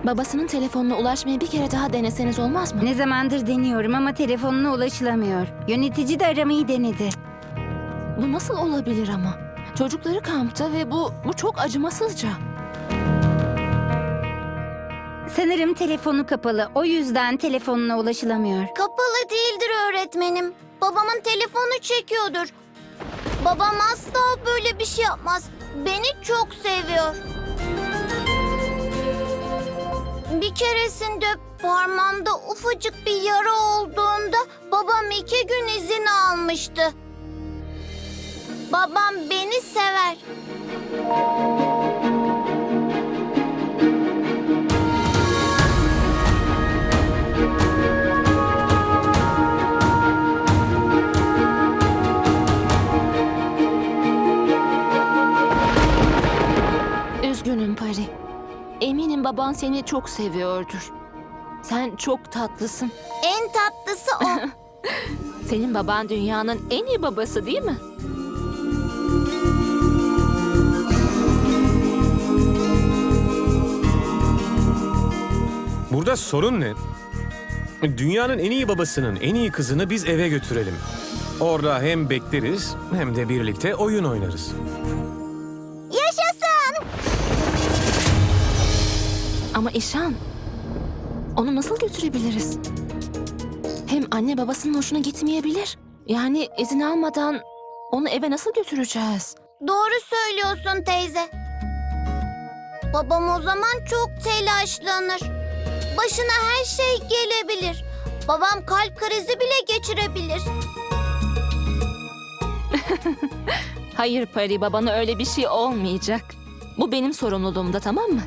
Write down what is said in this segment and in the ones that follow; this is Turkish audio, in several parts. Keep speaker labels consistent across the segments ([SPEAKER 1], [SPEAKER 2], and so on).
[SPEAKER 1] Babasının telefonuna ulaşmayı bir kere daha deneseniz olmaz mı?
[SPEAKER 2] Ne zamandır deniyorum ama telefonuna ulaşılamıyor. Yönetici de aramayı denedi.
[SPEAKER 1] Bu nasıl olabilir ama? Çocukları kampta ve bu çok acımasızca.
[SPEAKER 2] Sanırım telefonu kapalı. O yüzden telefonuna ulaşılamıyor.
[SPEAKER 3] Kapalı değildir öğretmenim. Babamın telefonu çekiyordur. Babam asla böyle bir şey yapmaz. Beni çok seviyor. Bir keresinde parmağımda ufacık bir yara olduğunda babam 2 gün izin almıştı. Babam beni sever.
[SPEAKER 1] Üzgünüm Pari. Eminim baban seni çok seviyordur. Sen çok tatlısın.
[SPEAKER 3] En tatlısı o.
[SPEAKER 1] Senin baban dünyanın en iyi babası değil mi?
[SPEAKER 4] Burada sorun ne? Dünyanın en iyi babasının en iyi kızını biz eve götürelim. Orada hem bekleriz hem de birlikte oyun oynarız.
[SPEAKER 3] Yaşasın!
[SPEAKER 1] Ama İşan, onu nasıl götürebiliriz? Hem anne babasının hoşuna gitmeyebilir. Yani izin almadan onu eve nasıl götüreceğiz?
[SPEAKER 3] Doğru söylüyorsun teyze. Babam o zaman çok telaşlanır. Başına her şey gelebilir. Babam kalp krizi bile geçirebilir.
[SPEAKER 1] Hayır Pari, babana öyle bir şey olmayacak. Bu benim sorumluluğumda, tamam mı?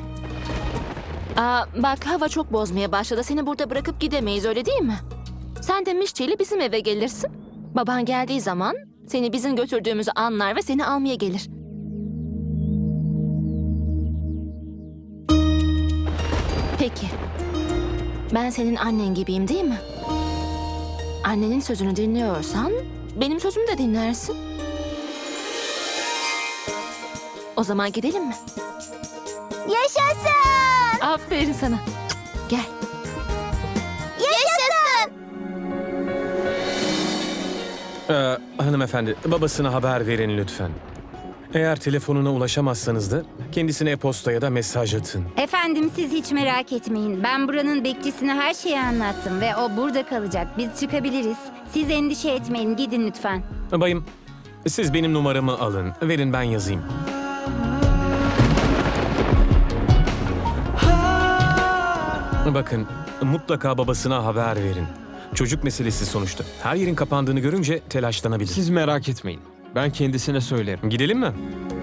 [SPEAKER 1] Bak hava çok bozmaya başladı. Seni burada bırakıp gidemeyiz, öyle değil mi? Sen de Mişçi ile bizim eve gelirsin. Baban geldiği zaman seni bizim götürdüğümüzü anlar ve seni almaya gelir. Peki. Ben senin annen gibiyim değil mi? Annenin sözünü dinliyorsan benim sözümü de dinlersin. O zaman gidelim mi?
[SPEAKER 3] Yaşasın!
[SPEAKER 1] Aferin sana. Gel.
[SPEAKER 3] Yaşasın!
[SPEAKER 4] Hanımefendi, babasına haber verin lütfen. Eğer telefonuna ulaşamazsanız da kendisine e-posta ya da mesaj atın.
[SPEAKER 2] Efendim siz hiç merak etmeyin. Ben buranın bekçisine her şeyi anlattım ve o burada kalacak. Biz çıkabiliriz. Siz endişe etmeyin. Gidin lütfen.
[SPEAKER 4] Bayım, siz benim numaramı alın. Verin ben yazayım. Bakın, mutlaka babasına haber verin. Çocuk meselesi sonuçta. Her yerin kapandığını görünce telaşlanabilir.
[SPEAKER 5] Siz merak etmeyin. Ben kendisine söylerim.
[SPEAKER 4] Gidelim mi?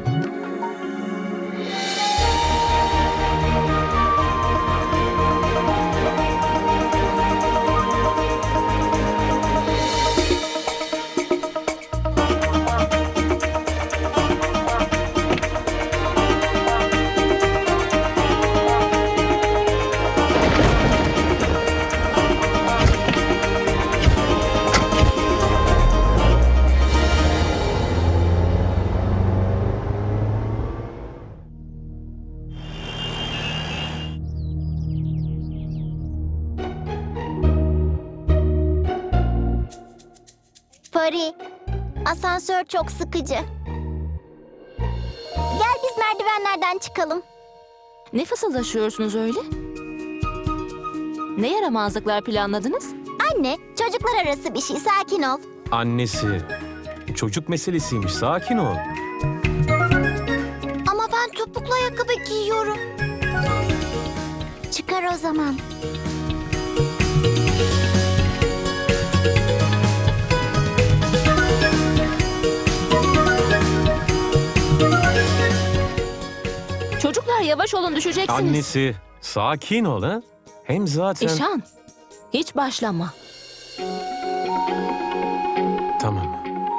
[SPEAKER 3] Pari, asansör çok sıkıcı. Gel biz merdivenlerden çıkalım.
[SPEAKER 1] Ne fısıldaşıyorsunuz öyle? Ne yaramazlıklar planladınız?
[SPEAKER 3] Anne, çocuklar arası bir şey, sakin ol.
[SPEAKER 4] Annesi. Çocuk meselesiymiş. Sakin ol.
[SPEAKER 3] Ama ben topuklu ayakkabı giyiyorum. Çıkar o zaman.
[SPEAKER 1] Çocuklar yavaş olun, düşeceksiniz.
[SPEAKER 4] Annesi. Sakin ol ha. Hem zaten...
[SPEAKER 1] İşan, hiç başlama.
[SPEAKER 4] Tamam.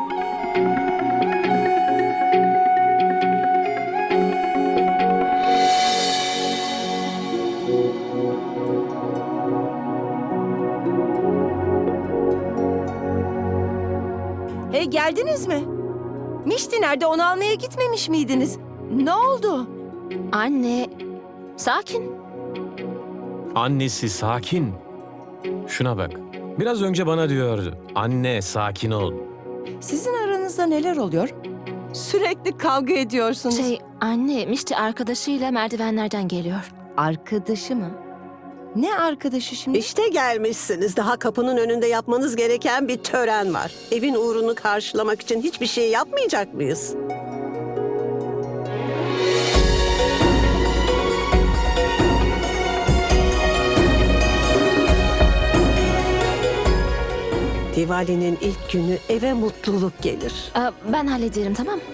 [SPEAKER 6] Geldiniz mi? Mişti nerede? Onu almaya gitmemiş miydiniz? Ne oldu?
[SPEAKER 1] Anne, sakin.
[SPEAKER 4] Annesi sakin. Şuna bak. Biraz önce bana diyordu. Anne sakin ol.
[SPEAKER 6] Sizin aranızda neler oluyor? Sürekli kavga ediyorsunuz.
[SPEAKER 1] Anne, Mişti arkadaşıyla merdivenlerden geliyor.
[SPEAKER 6] Arkadaşı mı? Ne arkadaşı şimdi?
[SPEAKER 7] İşte gelmişsiniz. Daha kapının önünde yapmanız gereken bir tören var. Evin uğrunu karşılamak için hiçbir şey yapmayacak mıyız? Diwali'nin ilk günü eve mutluluk gelir.
[SPEAKER 1] Ben hallederim, tamam mı?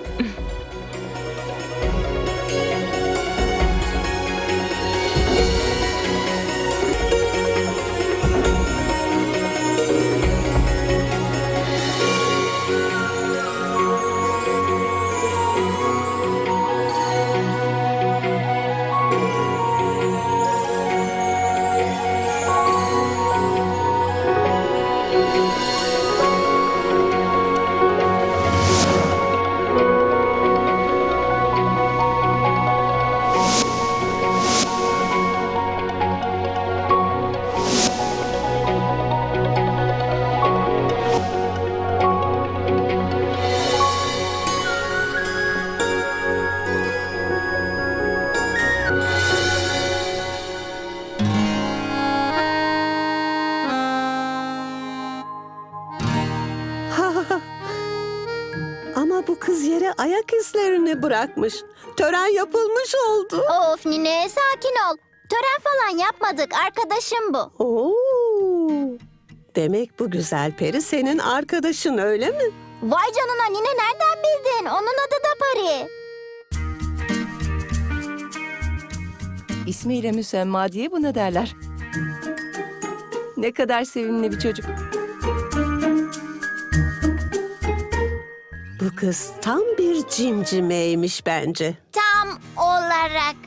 [SPEAKER 7] Ama bu kız yere ayak izlerini bırakmış. Tören yapılmış oldu.
[SPEAKER 3] Of Nine, sakin ol. Tören falan yapmadık. Arkadaşım bu.
[SPEAKER 7] Oo. Demek bu güzel peri senin arkadaşın, öyle mi?
[SPEAKER 3] Vay canına Nine, nereden bildin? Onun adı da Pari.
[SPEAKER 6] İsmiyle müsemma diye buna derler. Ne kadar sevimli bir çocuk.
[SPEAKER 7] Bu kız tam bir cimcimeymiş bence.
[SPEAKER 3] Tam olarak.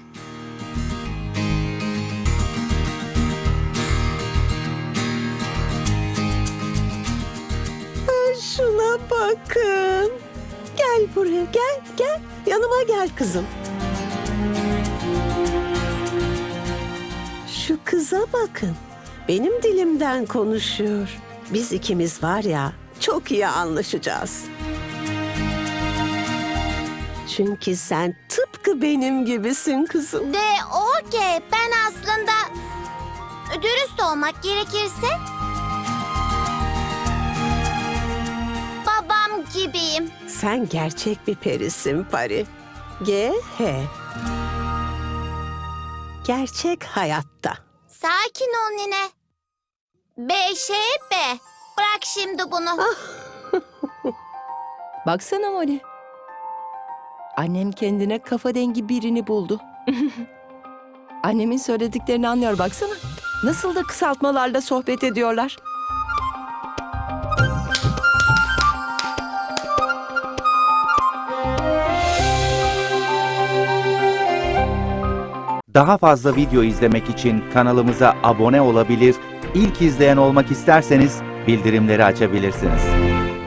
[SPEAKER 7] Şuna bakın. Gel buraya, gel. Yanıma gel kızım. Şu kıza bakın. Benim dilimden konuşuyor. Biz ikimiz var ya, çok iyi anlaşacağız. Çünkü sen tıpkı benim gibisin kızım.
[SPEAKER 3] De o ki ben aslında dürüst olmak gerekirse babam gibiyim.
[SPEAKER 7] Sen gerçek bir perisin Pari. G.H. Gerçek hayatta.
[SPEAKER 3] Sakin ol Nine. B. Bırak şimdi bunu.
[SPEAKER 6] Baksana Molly. Annem kendine kafa dengi birini buldu. Annemin söylediklerini anlıyor, baksana. Nasıl da kısaltmalarla sohbet ediyorlar.
[SPEAKER 8] Daha fazla video izlemek için kanalımıza abone olabilir, ilk izleyen olmak isterseniz bildirimleri açabilirsiniz.